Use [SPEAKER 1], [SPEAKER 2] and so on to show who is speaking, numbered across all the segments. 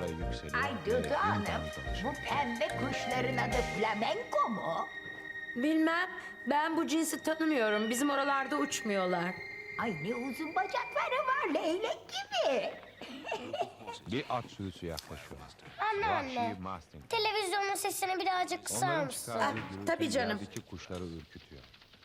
[SPEAKER 1] numaraya yükseliyor.
[SPEAKER 2] Ay
[SPEAKER 1] ve
[SPEAKER 2] Dudu Hanım,
[SPEAKER 1] yeniden danışıyor.
[SPEAKER 2] bu pembe kuşların adı flamenko mu?
[SPEAKER 3] Bilmem. Ben bu cinsi tanımıyorum. Bizim oralarda uçmuyorlar.
[SPEAKER 2] Ay ne uzun bacakları var, leylek gibi.
[SPEAKER 1] Bir at sürüsü yaklaşıyor.
[SPEAKER 4] Anneanne,
[SPEAKER 1] Vahşi Mustang.
[SPEAKER 4] televizyonun sesini birazcık kısar
[SPEAKER 1] Onların
[SPEAKER 4] mısın?
[SPEAKER 1] çıkardığı
[SPEAKER 3] Ah,
[SPEAKER 1] gürültü
[SPEAKER 3] tabii canım.
[SPEAKER 1] yerdeki kuşları ürkütüyor.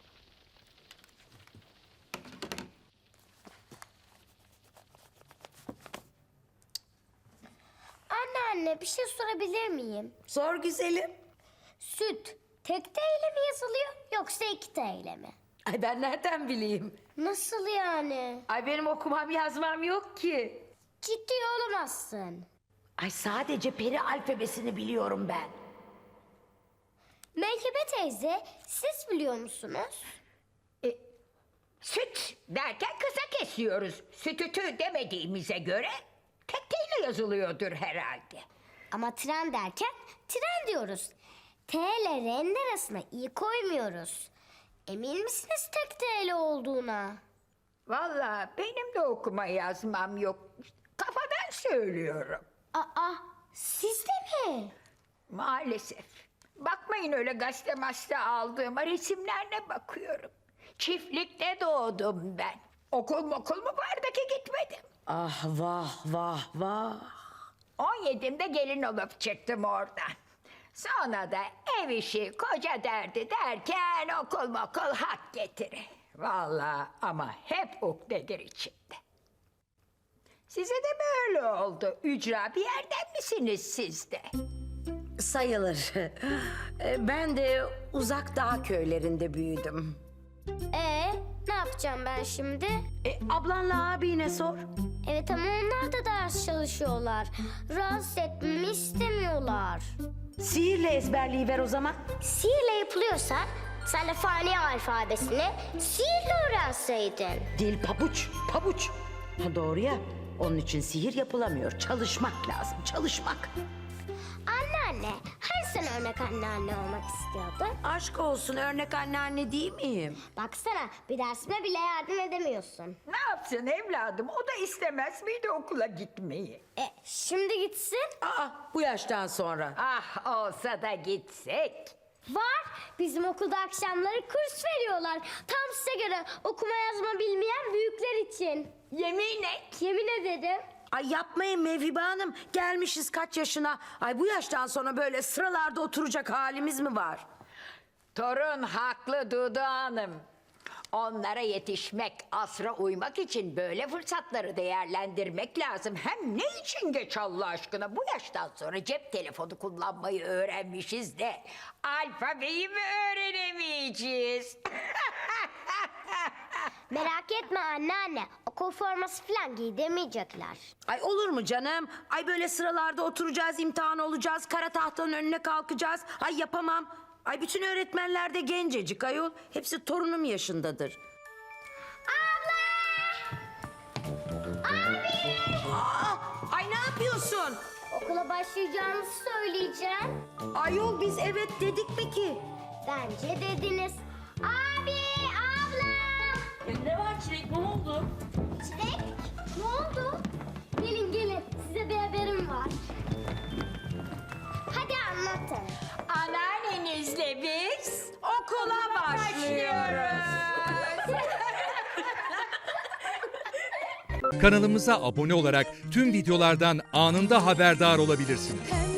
[SPEAKER 4] Anneanne, bir şey sorabilir miyim?
[SPEAKER 3] Sor güzelim.
[SPEAKER 4] Süt tek T ile mi yazılıyor yoksa iki T ile mi?
[SPEAKER 3] Ay ben nereden bileyim?
[SPEAKER 4] Nasıl yani?
[SPEAKER 3] Ay benim okumam yazmam yok ki.
[SPEAKER 4] Ciddi olamazsın.
[SPEAKER 2] Ay sadece peri alfabesini biliyorum ben.
[SPEAKER 4] Melike teyze, siz biliyor musunuz?
[SPEAKER 2] Süt derken kısa kesiyoruz. Sütütü demediğimize göre tek teyle yazılıyordur herhalde.
[SPEAKER 4] Ama tren derken tren diyoruz. T ile R'nin arasına i koymuyoruz. Emin misiniz tek T ile olduğuna?
[SPEAKER 2] Vallahi benim de okuma yazmam yok. Kafadan söylüyorum.
[SPEAKER 4] Aa, siz de mi?
[SPEAKER 2] Maalesef. Bakmayın öyle gazete maste aldığıma, resimlerine bakıyorum. Çiftlikte doğdum ben. Okul mu vardı ki gitmedim.
[SPEAKER 3] Ah vah vah vah.
[SPEAKER 2] 17'imde gelin olup çıktım oradan. Sonra da ev işi, koca derdi derken okul hak getiri. Vallahi ama hep ukdedir içimde. Size de mi öyle oldu? Ücra bir yerden misiniz siz de?
[SPEAKER 3] Sayılır. Ben de uzak dağ köylerinde büyüdüm.
[SPEAKER 4] Ne yapacağım ben şimdi?
[SPEAKER 3] Ablanla abine sor.
[SPEAKER 4] Evet ama onlar da ders çalışıyorlar. Rahatsız etmemi istemiyorlar.
[SPEAKER 3] Sihirle ezberleyiver o zaman.
[SPEAKER 4] Sihirle yapılıyorsa sen de fani alfabesini sihirle öğrenseydin.
[SPEAKER 3] Dil pabuç. Ha, doğru ya. Onun için sihir yapılamıyor. Çalışmak lazım, çalışmak.
[SPEAKER 4] Anneanne, hani sen örnek anneanne olmak istiyordun?
[SPEAKER 3] Aşk olsun, örnek anneanne değil miyim?
[SPEAKER 4] Baksana bir dersime bile yardım edemiyorsun.
[SPEAKER 2] Ne yapsın evladım? O da istemez miydi okula gitmeyi?
[SPEAKER 4] Şimdi gitsin.
[SPEAKER 3] Aa, bu yaştan sonra.
[SPEAKER 2] Ah olsa da gitsek.
[SPEAKER 4] Var. Bizim okulda akşamları kurs veriyorlar. Tam size göre okuma yazma bilmeyen büyükler için.
[SPEAKER 2] Yemin et.
[SPEAKER 4] Yemin ederim.
[SPEAKER 3] Ay yapmayın Mevhibe Hanım. Gelmişiz kaç yaşına. Ay bu yaştan sonra böyle sıralarda oturacak halimiz mi var?
[SPEAKER 2] Torun haklı Dudu Hanım. Onlara yetişmek, asra uymak için böyle fırsatları değerlendirmek lazım. Hem ne için geç Allah aşkına? Bu yaştan sonra cep telefonu kullanmayı öğrenmişiz de alfabeyi mi öğrenemeyeceğiz?
[SPEAKER 4] Merak etme anneanne. Okul forması falan giydirmeyecekler.
[SPEAKER 3] Ay olur mu canım? Ay böyle sıralarda oturacağız, imtihan olacağız, kara tahtanın önüne kalkacağız. Ay yapamam. Ay bütün öğretmenler de gencecik ayol. Hepsi torunum yaşındadır. Ay ne yapıyorsun?
[SPEAKER 4] Okula başlayacağınızı söyleyeceğim.
[SPEAKER 3] Ayol biz evet dedik mi ki?
[SPEAKER 4] Bence dediniz. Abi, abla.
[SPEAKER 3] Ne var Çilek, ne oldu?
[SPEAKER 4] Çilek, ne oldu? Gelin, size bir haberim var. Hadi anlatın.
[SPEAKER 2] Anneannenizle biz okula başlıyoruz.
[SPEAKER 5] Kanalımıza abone olarak tüm videolardan anında haberdar olabilirsiniz.